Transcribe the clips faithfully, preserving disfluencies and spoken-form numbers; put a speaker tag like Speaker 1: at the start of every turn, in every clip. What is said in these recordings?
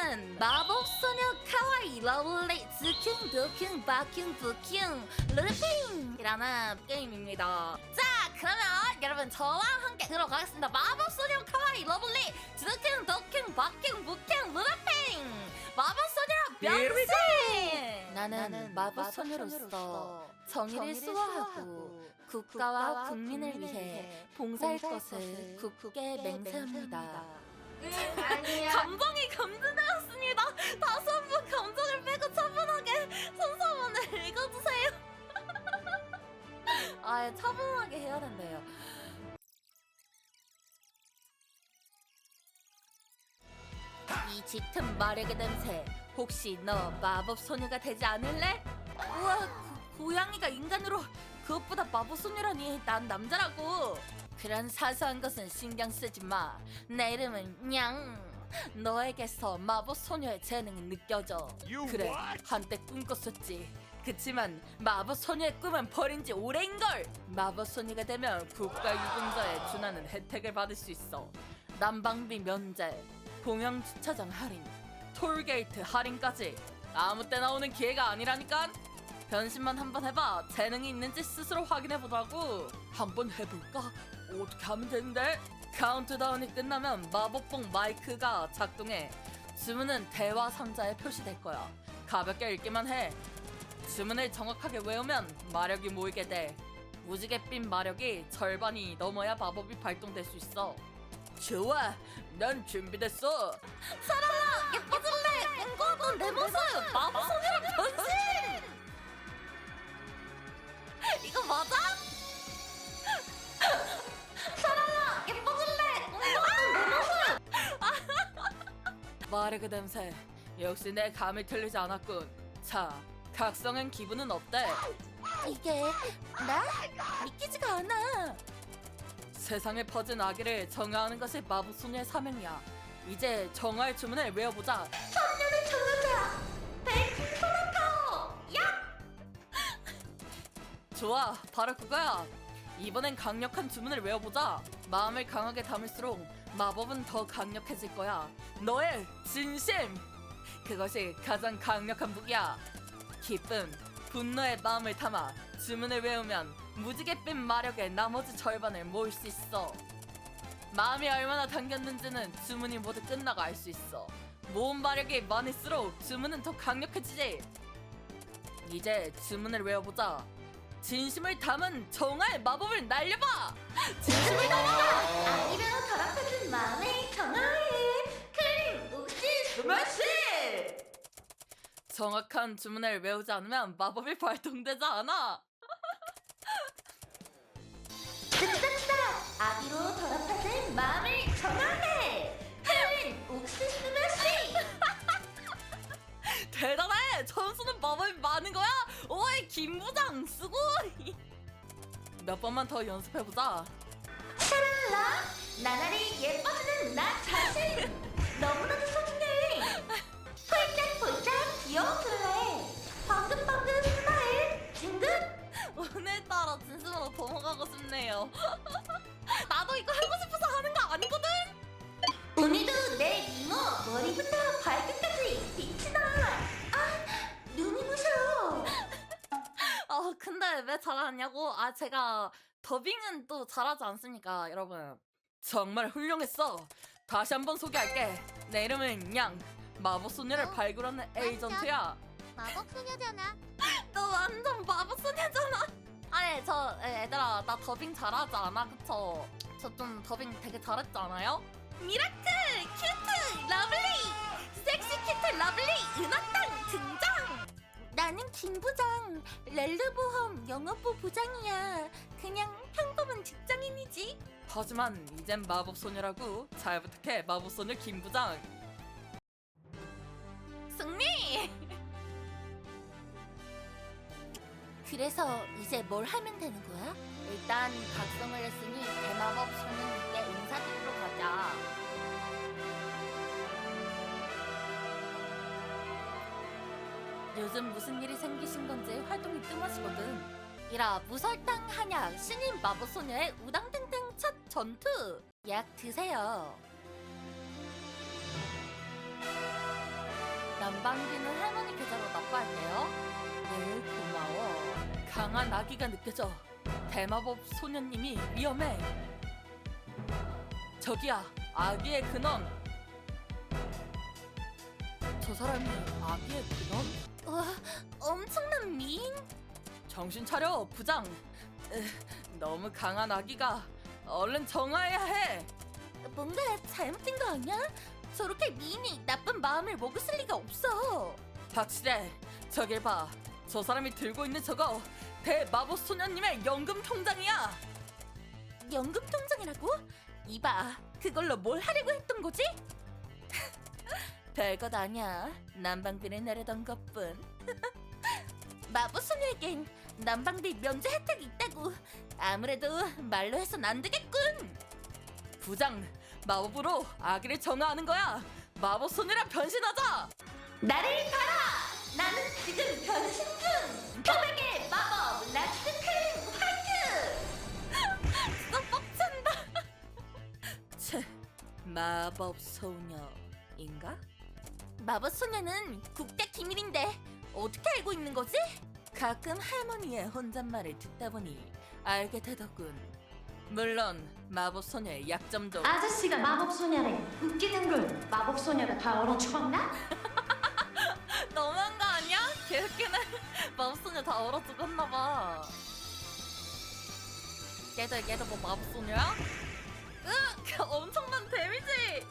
Speaker 1: 나는 마법소녀 카와이 러블리 즈킹 두킹 바킹 부킹 르핑이라는 게임입니다. 자, 그러면 여러분 저와 함께 들어가겠습니다. 마법소녀 카와이 러블리 즈킹 두킹 바킹 부킹 르핑 마법소녀 변신! 나는 마법소녀로서 정의를 수호하고 국가와 국민을 위해 봉사할 것을 굳게 맹세합니다. 감정이 감전되었습니다. 다시 한번 감정을 빼고 차분하게 선서문을 읽어주세요. 아, 차분하게 해야 된대요. 이 짙은 마력의 냄새, 혹시 너 마법소녀가 되지 않을래? 우와, 고, 고양이가 인간으로, 그것보다 마법소녀라니. 난 남자라고. 그런 사소한 것은 신경 쓰지 마. 내 이름은 냥. 너에게서 마법소녀의 재능이 느껴져. 그래, 한때 꿈꿨었지. 그치만 마법소녀의 꿈은 버린 지 오래인걸. 마법소녀가 되면 국가유공자에 준하는 혜택을 받을 수 있어. 난방비 면제, 공영주차장 할인, 톨게이트 할인까지. 아무 때나 오는 기회가 아니라니까. 변신만 한번 해봐. 재능이 있는지 스스로 확인해보자고. 한번 해볼까? 어떻게 하면 되는데? 카운트다운이 끝나면 마법봉 마이크가 작동해. 주문은 대화 상자에 표시될 거야. 가볍게 읽기만 해. 주문을 정확하게 외우면 마력이 모이게 돼. 무지갯빛 마력이 절반이 넘어야 마법이 발동될 수 있어. 좋아, 난 준비됐어. 사랑아, 예뻐질래. 꿈꿔왔던 내 모습, 마법소녀로 변신. 이거 맞아? 사랑아, 예뻐질래. 꿈꿔왔던 내 모습. 마력의 냄새, 역시 내 감이 틀리지 않았군. 자, 각성한 기분은 어때? 이게 나? 믿기지가 않아. 세상에 퍼진 아기를 정화하는 것이 마법소녀의 사명이야. 이제 정화의 주문을 외워보자. 천년의 정화자 백신 소나타오 야! 좋아, 바로 그거야. 이번엔 강력한 주문을 외워보자. 마음을 강하게 담을수록 마법은 더 강력해질 거야. 너의 진심! 그것이 가장 강력한 무기야. 기쁨, 분노의 마음을 담아 주문을 외우면 무지갯빛 마력의 나머지 절반을 모을 수 있어. 마음이 얼마나 담겼는지는 주문이 모두 끝나고 알 수 있어. 모은 마력이 많을수록 주문은 더 강력해지지. 이제 주문을 외워보자. 진심을 담은 정화의 마법을 날려봐. 진심을 담아. 아기로 더럽혀진 마음의 정화해. 클린 옥시 스매시. 정확한 주문을 외우지 않으면 마법이 발동되지 않아. 아기로 더럽혀진 마음을 정화해. 클린 옥시 스매시. 대단해. 천수는 마법이 많은 거야. 오이, 김부장 수고이. 몇 번만 더 연습해보자. 샤랄라, 나날이 예뻐지는 나 자신. 너무나도 소중해. 폴짝폴짝 귀여워질래. 방긋방긋 스마일 징긋. 오늘따라 진심으로 넘어가고 싶네요. 나도 이거 하고 싶어서 하는 거 아니거든. 오늘도 내 미모 머리부터 발끝까지 빛이 나. 아, 눈이 부셔. 어, 근데 왜 잘하냐고? 아, 제가 더빙은 또 잘하지 않습니까, 여러분? 정말 훌륭했어. 다시 한번 소개할게. 내 이름은 양. 마법소녀를
Speaker 2: 어?
Speaker 1: 발굴하는 에이전트야.
Speaker 2: 마법소녀잖아.
Speaker 1: 너 완전 마법소녀잖아. 아니, 저 에, 얘들아, 나 더빙 잘하지 않아, 그쵸? 저 좀 더빙 되게 잘했지 않아요? 미라클, 큐트, 러블리, 섹시 큐트 러블리, 은하땅 등장. 나는 김부장, 렐르보험 영업부 부장이야. 그냥 평범한 직장인이지. 하지만 이젠 마법소녀라고. 잘 부탁해, 마법소녀 김부장. 승리! 그래서 이제 뭘 하면 되는 거야? 일단 각성을 했으니 대마법 소녀님께 인사드리러 가자. 요즘 무슨 일이 생기신 건지 활동이 뜸하시거든. 이라 무설탕 한약 신인 마법소녀의 우당등등 첫 전투! 약 드세요. 남방비는 할머니 계좌로 납부할게요. 네, 고마워. 강한 아기가 느껴져. 대마법 소녀님이 위험해. 저기야, 아기의 근원. 저 사람이 아기의 근원? 와, 엄청난 미인? 정신 차려, 부장. 으, 너무 강한 아기가 얼른 정화해야 해. 뭔가 잘못된 거 아니야? 저렇게 미인이 나쁜 마음을 먹었을 리가 없어. 확실해. 저길 봐. 저 사람이 들고 있는 저거 대마법 소녀님의 연금 통장이야. 연금 통장이라고? 이봐, 그걸로 뭘 하려고 했던 거지? 별것 아니야. 난방비를 내려던 것뿐. 마법 소녀에겐 난방비 면제 혜택이 있다고. 아무래도 말로 해선 안 되겠군. 부장, 마법으로 아기를 정화하는 거야. 마법 소녀라 변신하자. 나를 봐라. 나는 지금 변신 중. 표백의 마법 라스트 클린 화이트. 진짜 뻑친다. 채, 마법 소녀인가? 마법 소녀는 국대 기밀인데 어떻게 알고 있는 거지? 가끔 할머니의 혼잣말을 듣다 보니 알게 되더군. 물론 마법 소녀의 약점도.
Speaker 2: 아저씨가 마법 소녀래. 웃기는 걸 마법 소녀가 다 얼어 죽었나?
Speaker 1: 너무한 거 아니야? 개웃기네. 마법 소녀 다 얼어 죽었나 봐. 걔도 걔도 뭐 마법 소녀야? 으, 엄청난 데미지.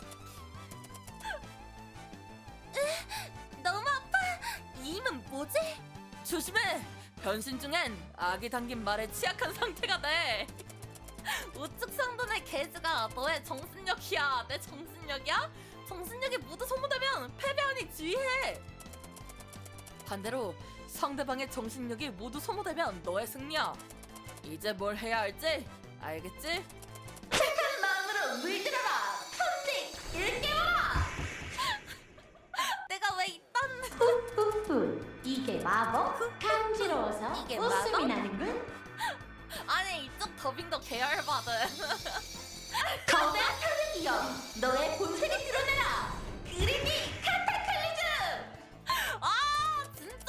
Speaker 1: 으, 너무 아파. 이 힘은 뭐지? 조심해. 변신 중엔 아기 당긴 말에 취약한 상태가 돼. 우측 상단의 게이지가 너의 정신력이야. 내 정신력이야? 정신력이 모두 소모되면 패배하니 주의해. 반대로 상대방의 정신력이 모두 소모되면 너의 승리야. 이제 뭘 해야 할지 알겠지? 착한 마음으로 물들어라. 천직 일깨워라. 내가 왜 이딴.
Speaker 2: 후후후. 이게 마법? 간지러워서
Speaker 1: 이게
Speaker 2: 웃음이
Speaker 1: 마법?
Speaker 2: 나는군.
Speaker 1: 아니, 이쪽 더빙도 계열받은.
Speaker 2: 거대한 타르기여, 너의 본색을 드러내라. 그린이 카타클리즘.
Speaker 1: 아, 진짜.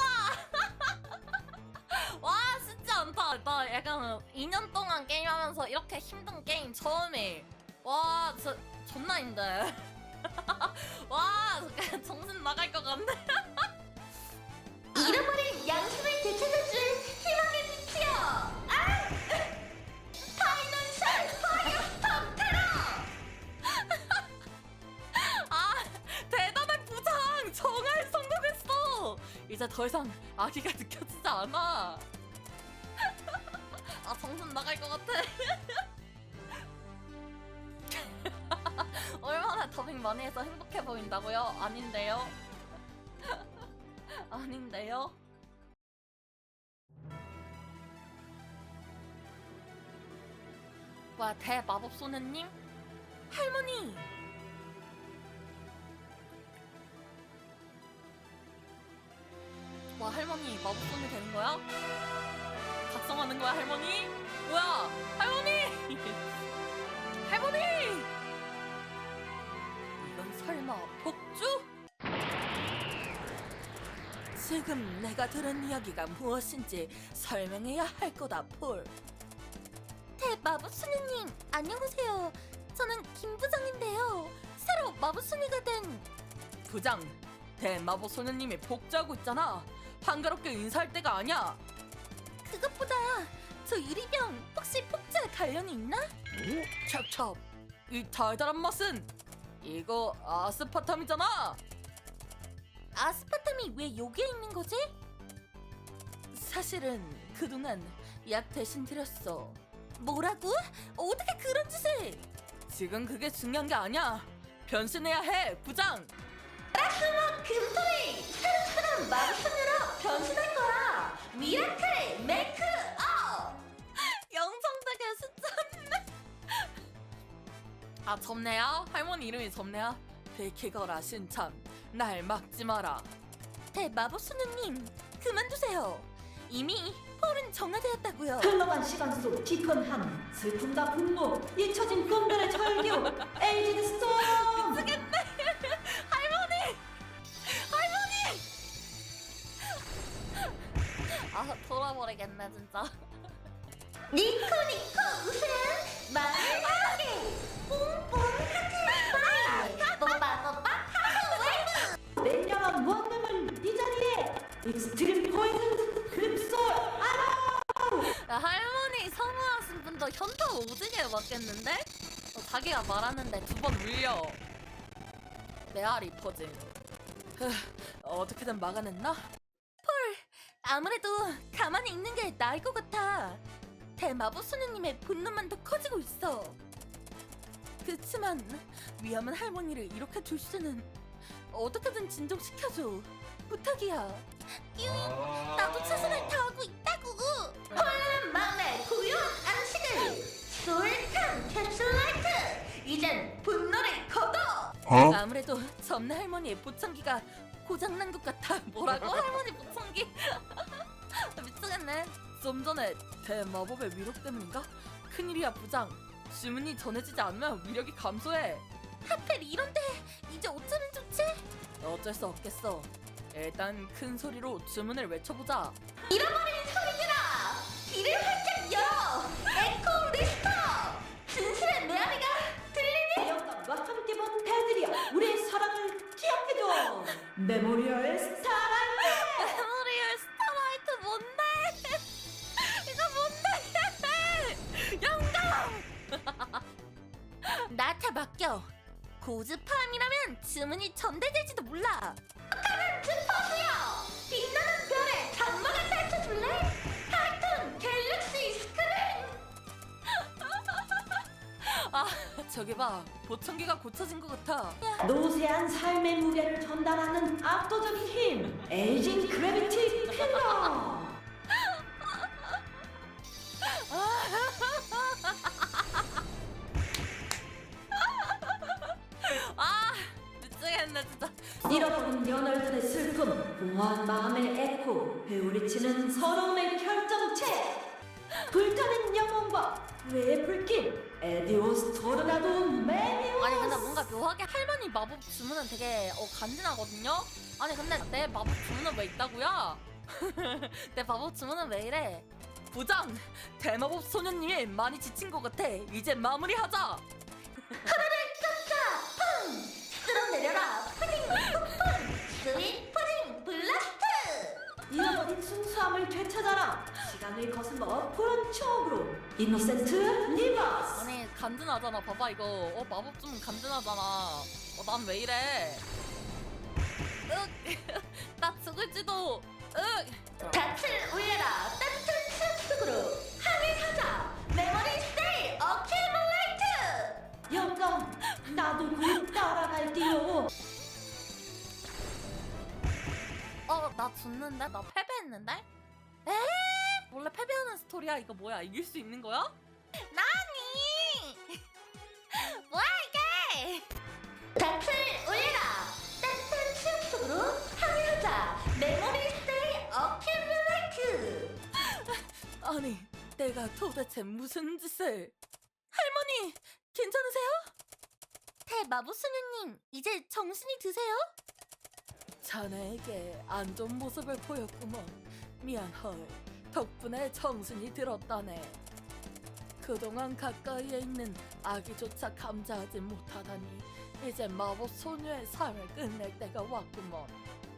Speaker 1: 와, 쉽지 않다. 나 약간 이 년 동안 게임하면서 이렇게 힘든 게임 처음에. 와, 진짜 존나 힘들. 와, 정신 나갈 것 같네.
Speaker 2: 잃어버린 양심을 되찾아줄 희망의 빛이여. 아! 파이널 파이어스톰 테러.
Speaker 1: 아, 대단한 부장! 정말 성공했어! 이제 더 이상 아기가 느껴지지 않아. 아, 정신 나갈 것 같아. 얼마나 더빙 많이 해서 행복해 보인다고요? 아닌데요? 아닌데요? 와, 대마법 소녀님? 할머니! 와, 할머니 마법 소녀 되는 거야? 각성하는 거야, 할머니? 뭐야, 할머니! 할머니! 이건 설마 복주? 지금 내가 들은 이야기가 무엇인지 설명해야 할 거다, 폴. 대마법 소녀님, 안녕하세요. 저는 김 부장인데요. 새로 마법 소녀가 된. 부장, 대마법 소녀님이 복주하고 있잖아. 한가롭게 인사할 때가 아니야. 그것보다 저 유리병 혹시 복주에 관련이 있나? 오, 찹찹. 이 달달한 맛은 이거 아스파탐이잖아. 아스파탐이 왜 여기에 있는 거지? 사실은 그동안 약 대신 드렸어. 뭐라고? 어떻게 그런 짓을? 지금 그게 중요한 게 아니야. 변신해야 해, 부장.
Speaker 2: 라스모 금토리 새로운 마법 소녀로 변신할 거야. 미라클 메이크업.
Speaker 1: 영상되게 수쳤네. 아, 접네야? 할머니 이름이 접네야? 베이키거라 신참. 날 막지 마라. 대마법 소녀님, 그만두세요. 이미 폴은 정화되었다고요.
Speaker 3: 흘러간 시간 속 깊은 함, 슬픔과 분노, 잊혀진 꿈들의 절규, 에이지드 스톰!
Speaker 1: 미치겠네. 할머니! 할머니! 미치겠네 진짜.
Speaker 2: 니코 니코 웃음 말을 하게 뽕뽕 하트 뽀빠 뽀빠 하트
Speaker 3: 냉정한 원룸을 이 자리에 익스트림 포인트 그립솔 알아.
Speaker 1: 야, 할머니 선호하신 분도 현타 오지게 맞겠는데? 어, 자기가 말하는데 두 번 물려. 메아리 퍼즐. 흐, 어떻게든 막아냈나? 헐, 아무래도 가만히 있는 게 나을 것 같아. 대마법 소녀님의 분노만 더 커지고 있어. 그치만 위험한 할머니를 이렇게 둘 수는. 어떻게든 진정시켜줘. 부탁이야. 유잉, 나도 최선을 다하고 있다고.
Speaker 2: 혼란한 마음에 고요한 안식을 솔탄 캡슐라이트 이젠 분노를 거둬
Speaker 1: 아무래도 점나 할머니의 보청기가 고장난 것 같아. 뭐라고? 할머니 보청기? 미치겠네. 좀 전에 대마법의 위력 때문인가? 큰일이야 부장. 주문이 전해지지 않으면 위력이 감소해. 하필 이런데 이제 어쩌면 좋지? 어쩔 수 없겠어. 일단 큰 소리로 주문을 외쳐보자.
Speaker 2: 잃어버린 소리들아 귀를 활짝 열어 에코 리스터 진실의 메아리가 들리니
Speaker 3: 영감과 함께 본 배들이여 우리의 사랑을 기억해줘. 메모리얼 스타라이트.
Speaker 1: 메모리얼 스타라이트 뭔데? 이거 뭔데? 영감! 나한테 맡겨. 고즈팜이라면 주문이 전달될지도 몰라.
Speaker 2: 스포츠요 빛나는 별의 장막을 펼쳐줄래 하이톤 갤럭시 스크린
Speaker 1: 아, 저기 봐. 보청기가 고쳐진 것 같아.
Speaker 3: 노세한 삶의 무게를 전달하는 압도적인 힘 에이징 그래비티 필러.
Speaker 1: 아, 미치겠네 진짜.
Speaker 3: 잃어버린 연월들의 슬픔, 공허한 마음의 에코, 회오리치는 서러움의 결정체. 불타는 영혼과 후회의 불길, 에디오스 토르나도 메비우스.
Speaker 1: 아니 근데 뭔가 묘하게 할머니 마법 주문은 되게 어, 간지나거든요? 아니 근데 내 마법 주문은 왜 있다고요? 내 마법 주문은 왜 이래? 부장! 대마법 소녀님이 많이 지친 것 같아. 이제 마무리하자!
Speaker 2: 쓸어내려라 푸딩 푸푼 스윗 푸딩 블라스트
Speaker 3: 잃어버린 순수함을 되찾아라. 시간을 거슬러 푸른 추억으로 이노센트 리버스.
Speaker 1: 아니 간지나잖아. 봐봐 이거. 어 마법 주문 간지나잖아. 어 난 왜 이래? 으, 나 죽을지도. 으.
Speaker 2: 닻을 올려라 따뜻한 수업 속으로 하늘 가자 메모리 스테이 어큐뮬레이트
Speaker 3: 영감, 나도 곧 따라갈게요.
Speaker 1: 어, 나 졌는데? 나 패배했는데? 에? 원래 패배하는 스토리야? 이거 뭐야? 이길 수 있는 거야? 나니! 뭐야 이게?
Speaker 2: 닻을 올려라 따뜻한 수업 속으로 하늘 가자 메모리 스테이 어큐뮬레이트
Speaker 1: 아니, 내가 도대체 무슨 짓을? 할머니, 괜찮으세요? 대마법 소녀님, 이제 정신이 드세요? 자네에게 안 좋은 모습을 보였구먼. 미안헐. 덕분에 정신이 들었다네. 그동안 가까이에 있는 아기조차 감지하지 못하다니 이제 마법 소녀의 삶을 끝낼 때가 왔구먼.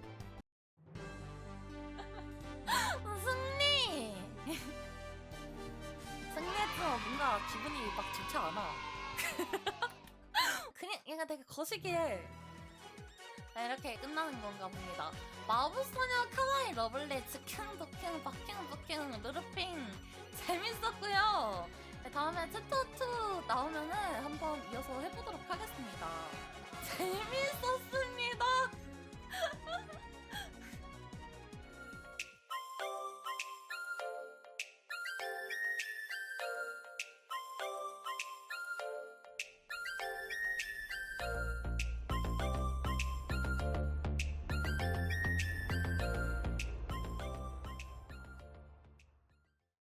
Speaker 1: 승리! 승리했지만 뭔가 기분이 막 좋지 않아. 그냥 얘가 되게 거시기해. 네, 이렇게 끝나는 건가 봅니다. 마법소녀 카와이 러블리 즈킹 도킹 바킹 부킹 루루핑 재밌었고요. 네, 다음에 챕터 투 나오면은 한번 이어서 해보도록 하겠습니다. 재밌었습니다.